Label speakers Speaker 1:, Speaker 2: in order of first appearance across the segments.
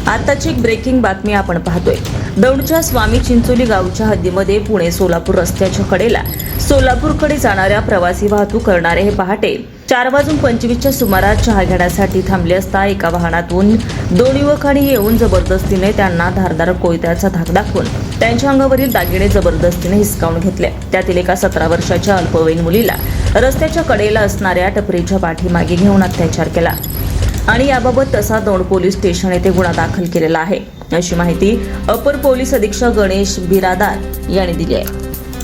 Speaker 1: आताची एक ब्रेकिंग बातमी आपण पाहतोय। दौंडच्या स्वामी चिंचोली गावच्या हद्दीमध्ये पुणे सोलापूर रस्त्याच्या कडेला सोलापूरकडे जाणाऱ्या प्रवासी वाहतूक करणारे हे पहाटे 4:25च्या सुमारास चहा घेण्यासाठी थांबले असता एका वाहनातून दोन युवकांनी येऊन जबरदस्तीने त्यांना धारदार कोयत्याचा धाक दाखवून त्यांच्या अंगावरील दागिने जबरदस्तीने हिसकावून घेतले। त्यातील एका 17 वर्षाच्या अल्पवयीन मुलीला रस्त्याच्या कडेला असणाऱ्या टपरीच्या पाठीमागे घेऊन अत्याचार केला आणि याबाबत तसा दौंड पोलीस स्टेशन येथे गुन्हा दाखल केलेला आहे, अशी माहिती अपर पोलीस अधीक्षक गणेश बिरादार यांनी दिली आहे।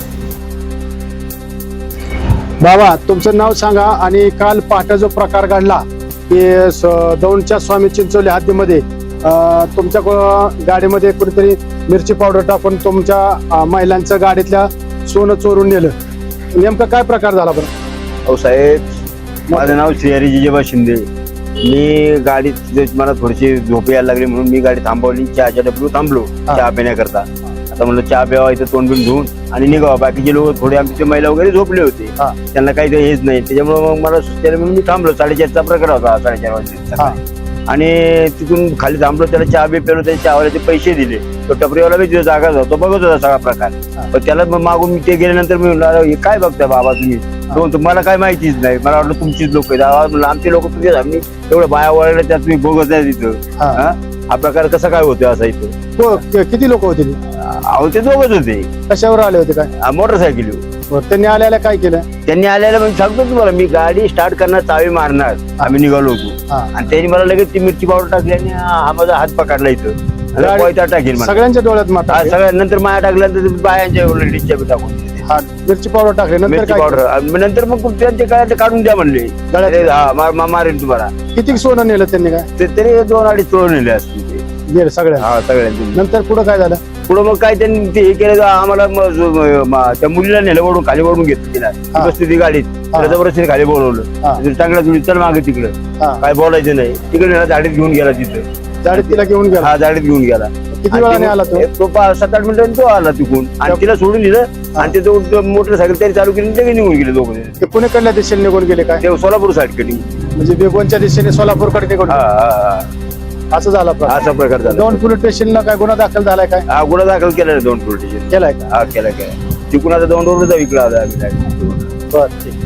Speaker 2: बाबा, तुमचं नाव सांगा आणि काल पहाटे जो प्रकार घडला की दौंडच्या स्वामी चिंचोली हद्दीमध्ये तुमच्या गाडीमध्ये कुठेतरी मिरची पावडर टाकून तुमच्या महिलांच्या गाडीतल्या सोनं चोरून नेलं, नेमका काय प्रकार झाला बरं?
Speaker 3: हो साहेब, माझं नाव श्रीहरी जिजेबा शिंदे। मी गाडीत मला थोडीशी झोप यायला लागली म्हणून मी गाडी थांबवली, चहाच्या डबरू थांबलो चहा पिण्याकरता। आता म्हणलं चहा प्यावा, इथं तोंड बिन धुवून आणि निघावा। बाकीचे लोक थोडे आमचे महिला वगैरे झोपले होते, त्यांना काही ते हेच नाही, त्याच्यामुळे मग मला सुचले म्हणून मी थांबलो। 4:30चा प्रकार होता, 4:30 वाजता। आणि तिथून खाली थांबलो, त्याला चहा बी पेलो, त्याच्या चहावाल्याचे पैसे दिले। तो टपरीवाला बी तिथे जागा होता, बघत होता सगळा प्रकार। पण त्याला मागून मी ते गेल्यानंतर मी म्हणलं, काय बघताय बाबा तुम्ही? तुम्हाला काय माहितीच नाही, मला वाटलं तुमचीच लोक आहेत। आमचे लोक तुझे आम्ही एवढं बाया वळले, त्यात तुम्ही बघत आहे तिथं। हा प्रकार कसा काय होतोय असा इथं?
Speaker 2: किती लोक होते?
Speaker 3: अहो ते दोघच होते।
Speaker 2: कशावर आले होते? काय
Speaker 3: मोटरसायकल।
Speaker 2: त्यांनी आल्याला काय केलं?
Speaker 3: त्यांनी आल्याला म्हणजे सांगतो तुम्हाला, मी गाडी स्टार्ट करणार, चावी मारणार, आम्ही निघालो होतो आणि त्यांनी मला लगेच ती मिरची पावडर टाकली आणि हा माझा हात पकडला इथं, कोयता टाकेल
Speaker 2: सगळ्यांच्या डोळ्यात माता
Speaker 3: सगळ्यानंतर माया टाकल्यानंतर बायांच्या लेडीजच्या बी टाकून
Speaker 2: मिरची पावडर टाकली,
Speaker 3: मिरची पावडर नंतर मग त्यांचे काय ते काढून द्या म्हणले, मारेल तुम्हाला।
Speaker 2: किती सोनं नेलं त्यांनी? काय
Speaker 3: तरी 2-2.5 तोळ नेले असतील
Speaker 2: सगळ्या?
Speaker 3: सगळ्यांनी।
Speaker 2: नंतर पुढे काय झालं?
Speaker 3: पुढे मग काय त्यांनी ते हे केलं, आम्हाला त्या मुलीला नेलं, वडून खाली वडून घेतलं, तिला बसली ती गाडीत, जबरदस्तीने खाली बोलवलं, चांगला तुम्ही चल मागे तिकडं, काय बोलायचं नाही। तिकडे नेला, गाडीत घेऊन गेला, तिथं
Speaker 2: गाडीत तिला घेऊन गेला?
Speaker 3: हा, गाडीत घेऊन गेला।
Speaker 2: किती वेळाने आला तो?
Speaker 3: 7-8 मिनिटांनी तो आला तिकून आणि तिला सोडून दिलं आणि ते मोटरसायकल तरी चालू केली, ते निघून गेले दोघं।
Speaker 2: ते पुणेकडल्या दिशेने निघून गेले काय?
Speaker 3: ते सोलापूर साईड कडे,
Speaker 2: म्हणजे बेगोनच्या दिशेने सोलापूरकडे निघून? असं झाला
Speaker 3: असा प्रकार झाला।
Speaker 2: दौंड पोलीस स्टेशनला काय गुन्हा दाखल झालाय? काय
Speaker 3: हा, गुन्हा दाखल केला दौंड पोलीस स्टेशन
Speaker 2: केलाय का?
Speaker 3: हा, केला तिकून आता दौंडवरून जाऊ इकडे आला आम्ही।
Speaker 2: बरं, ठीक.